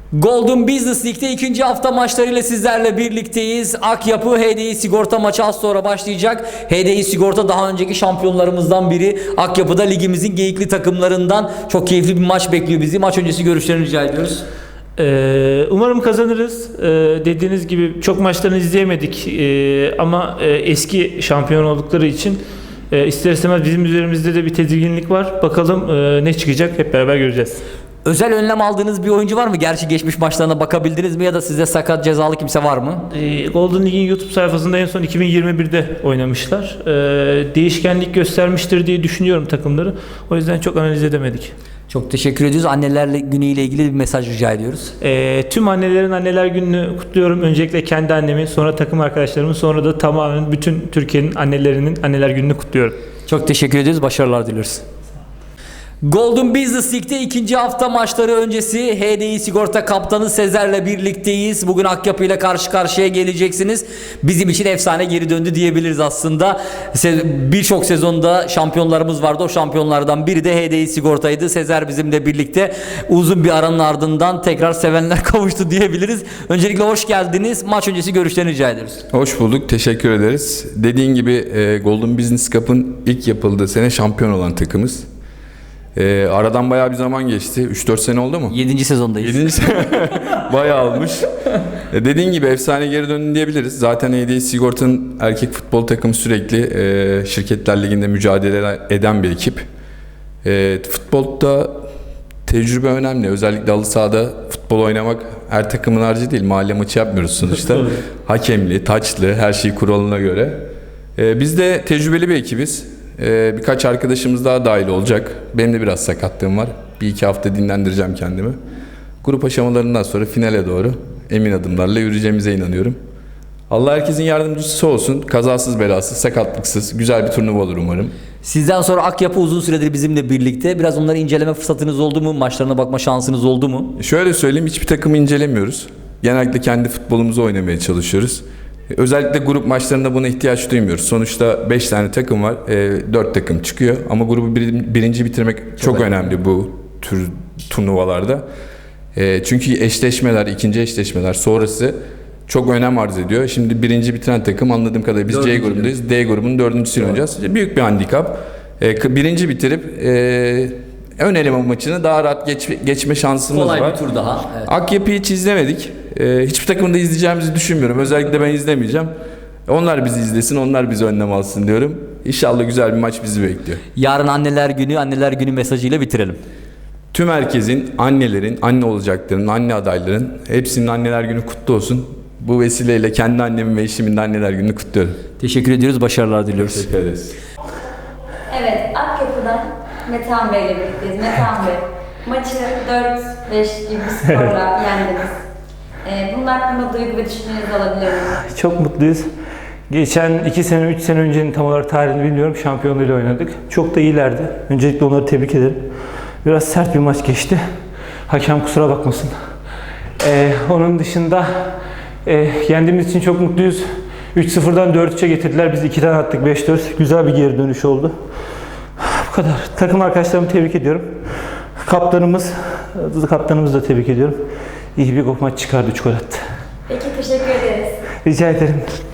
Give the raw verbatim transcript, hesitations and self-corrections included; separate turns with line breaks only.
Golden Business League'de ikinci hafta maçlarıyla sizlerle birlikteyiz. Akyapı H D I Sigorta maçı az sonra başlayacak. H D I Sigorta daha önceki şampiyonlarımızdan biri. Akyapı'da ligimizin geyikli takımlarından. Çok keyifli bir maç bekliyor bizi. Maç öncesi görüşlerini rica ediyoruz.
Ee, umarım kazanırız. Ee, dediğiniz gibi çok maçlarını izleyemedik ee, ama e, eski şampiyon oldukları için e, ister istemez bizim üzerimizde de bir tedirginlik var. Bakalım e, ne çıkacak, hep beraber göreceğiz.
Özel önlem aldığınız bir oyuncu var mı? Gerçi geçmiş maçlarına bakabildiniz mi ya da sizde sakat cezalı kimse var mı?
Ee, Golden League'in YouTube sayfasında en son iki bin yirmi birde oynamışlar. Ee, değişkenlik göstermiştir diye düşünüyorum takımları. O yüzden çok analiz edemedik.
Çok teşekkür ediyoruz. Anneler günüyle ilgili bir mesaj rica ediyoruz.
Ee, tüm annelerin anneler gününü kutluyorum. Öncelikle kendi annemi, sonra takım arkadaşlarımı, sonra da tamamen bütün Türkiye'nin annelerinin anneler gününü kutluyorum.
Çok teşekkür ediyoruz. Başarılar diliyoruz. Golden Business League'de ikinci hafta maçları öncesi H D I Sigorta kaptanı Sezer'le birlikteyiz. Bugün Akyapı ile karşı karşıya geleceksiniz. Bizim için efsane geri döndü diyebiliriz aslında. Birçok sezonda şampiyonlarımız vardı. O şampiyonlardan biri de H D I Sigorta'ydı. Sezer bizimle birlikte uzun bir aranın ardından tekrar sevenler kavuştu diyebiliriz. Öncelikle hoş geldiniz. Maç öncesi görüşlerini rica ediyoruz.
Hoş bulduk. Teşekkür ederiz. Dediğin gibi e, Golden Business Cup'ın ilk yapıldığı sene şampiyon olan takımız. Ee, aradan bayağı bir zaman geçti. üç dört sene oldu mu?
yedinci sezondayız.
yedinci sene bayağı olmuş. Ee, dediğin gibi efsane geri döndü diyebiliriz. Zaten H D I Sigorta'nın erkek futbol takımı sürekli e, Şirketler Ligi'nde mücadele eden bir ekip. E, futbolda tecrübe önemli. Özellikle halı sahada futbol oynamak her takımın harcı değil. Mahalle maçı yapmıyoruz sonuçta. Hakemli, taçlı, her şey kuralına göre. E, biz de tecrübeli bir ekibiz. Ee, birkaç arkadaşımız daha dahil olacak. Benim de biraz sakatlığım var. Bir iki hafta dinlendireceğim kendimi. Grup aşamalarından sonra finale doğru emin adımlarla yürüyeceğimize inanıyorum. Allah herkesin yardımcısı olsun. Kazasız belasız, sakatlıksız, güzel bir turnuva olur umarım.
Sizden sonra Akyapı uzun süredir bizimle birlikte. Biraz onları inceleme fırsatınız oldu mu? Maçlarına bakma şansınız oldu mu?
Şöyle söyleyeyim, hiçbir takımı incelemiyoruz. Genellikle kendi futbolumuzu oynamaya çalışıyoruz. Özellikle grup maçlarında buna ihtiyaç duymuyoruz. Sonuçta beş tane takım var, dört takım çıkıyor. Ama grubu bir, birinci bitirmek çok, çok önemli, önemli bu tür turnuvalarda. E, çünkü eşleşmeler, ikinci eşleşmeler sonrası çok önem arz ediyor. Şimdi birinci bitiren takım, anladığım kadarıyla biz dördüncü C grubundayız. D grubunun dördüncüsünü oynayacağız. Büyük bir handikap. E, birinci bitirip e, ön eleme maçını daha rahat geç, geçme şansımız
Kolay
var.
Bir tur daha. Evet.
Akyapı'yı hiç izlemedik. Ee, hiçbir takımda izleyeceğimizi düşünmüyorum. Özellikle ben izlemeyeceğim. Onlar bizi izlesin, onlar bizi önlem alsın diyorum. İnşallah güzel bir maç bizi bekliyor.
Yarın anneler günü, anneler günü mesajıyla bitirelim.
Tüm herkesin, annelerin, anne olacaklarının, anne adayların hepsinin anneler günü kutlu olsun. Bu vesileyle kendi annemin ve eşimin de anneler gününü kutluyorum.
Teşekkür ediyoruz, başarılar diliyoruz.
Teşekkür ederiz.
Evet, Akyapı'dan Metehan Bey ile birlikteyiz. Metehan Bey, maçı dört beş gibi bir skorla yendiniz. Ee, bunun hakkında duygu ve düşüncelerinizi alabilir miyim?
Çok mutluyuz. Geçen iki sene, üç sene öncenin tam olarak tarihini bilmiyorum. Şampiyonluğuyla oynadık. Çok da iyilerdi. Öncelikle onları tebrik ederim. Biraz sert bir maç geçti. Hakem kusura bakmasın. Ee, onun dışında e, yendiğimiz için çok mutluyuz. üç sıfırdan dört üçe getirdiler. Biz ikiden attık, beş dört. Güzel bir geri dönüş oldu. Bu kadar. Takım arkadaşlarımı tebrik ediyorum. Kaptanımız, kaptanımızı da tebrik ediyorum. İyi bir maç çıkardı, üç gol attı.
Peki, teşekkür ederiz.
Rica ederim.